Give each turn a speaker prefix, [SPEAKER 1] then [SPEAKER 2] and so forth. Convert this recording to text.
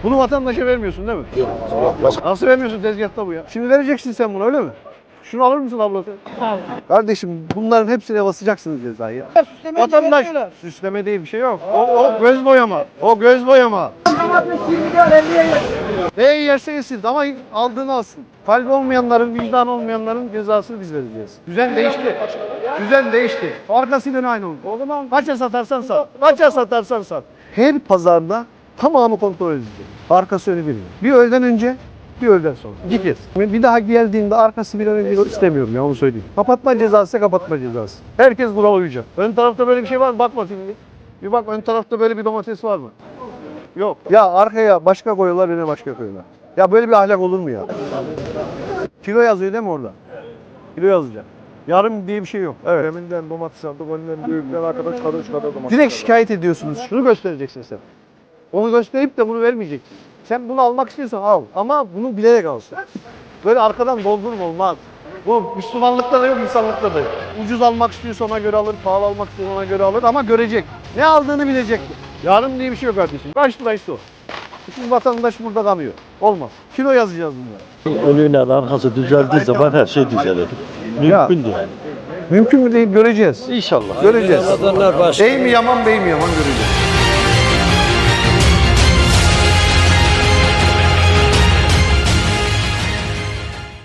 [SPEAKER 1] Bunu vatandaşa vermiyorsun değil mi?
[SPEAKER 2] Yok.
[SPEAKER 1] Nasıl vermiyorsun, tezgahta bu ya? Şimdi vereceksin sen bunu, öyle mi? Şunu alır mısın ablası?
[SPEAKER 3] Sağ ol.
[SPEAKER 1] Kardeşim bunların hepsine basacaksınız cezayı. Vatandaş süsleme değil, bir şey yok. O göz boyama. O göz boyama. Neyi yerse yesin ama aldığını alsın. Kalbi olmayanların, vicdan olmayanların cezasını biz vereceğiz. Düzen değişti. Düzen değişti. Arkasıyla aynı oldu. O zaman kaça satarsan sat. Kaça satarsan sat. Her pazarda tamamı kontrol edilecek. Arkası önü biliyor. Bir öğleden önce, bir öğleden sonra. Gideceğiz. Bir daha geldiğinde arkası bir önce istemiyorum ya, onu söyleyeyim. Kapatma cezası, kapatma cezası. Herkes buna uyacak. Ön tarafta böyle bir şey var mı? Bak bakayım bir. Bir bak, ön tarafta böyle bir domates var mı? Yok. Ya arkaya başka koyuyorlar, öne başka koyuyorlar. Ya böyle bir ahlak olur mu ya? Kilo yazıyor değil mi orada? Kilo yazacak. Yarım diye bir şey yok. Evet.
[SPEAKER 2] Deminden domates aldık, önden büyükten arkadaş kadar şu kadar domates.
[SPEAKER 1] Direkt şikayet ediyorsunuz. Şunu göstereceksin sen. Onu gösterip de bunu vermeyeceksin. Sen bunu almak istiyorsan al. Ama bunu bilerek alsın. Böyle arkadan doldurma, olmaz. Bu Müslümanlıkta da yok, insanlıkta da yok. Ucuz almak istiyorsa ona göre alır, pahalı almak istiyorsa ona göre alır ama görecek. Ne aldığını bilecek. Yarım diye bir şey yok kardeşim. Kaç liraysa o. Bütün vatandaş burada kalıyor. Olmaz. Kilo yazacağız bunlara.
[SPEAKER 4] Önüyle arkası düzeldiği zaman her şey düzelir. Mümkün değil.
[SPEAKER 1] Mümkün mü değil, göreceğiz.
[SPEAKER 4] İnşallah.
[SPEAKER 1] Göreceğiz. Bey mi yaman, bey mi yaman göreceğiz.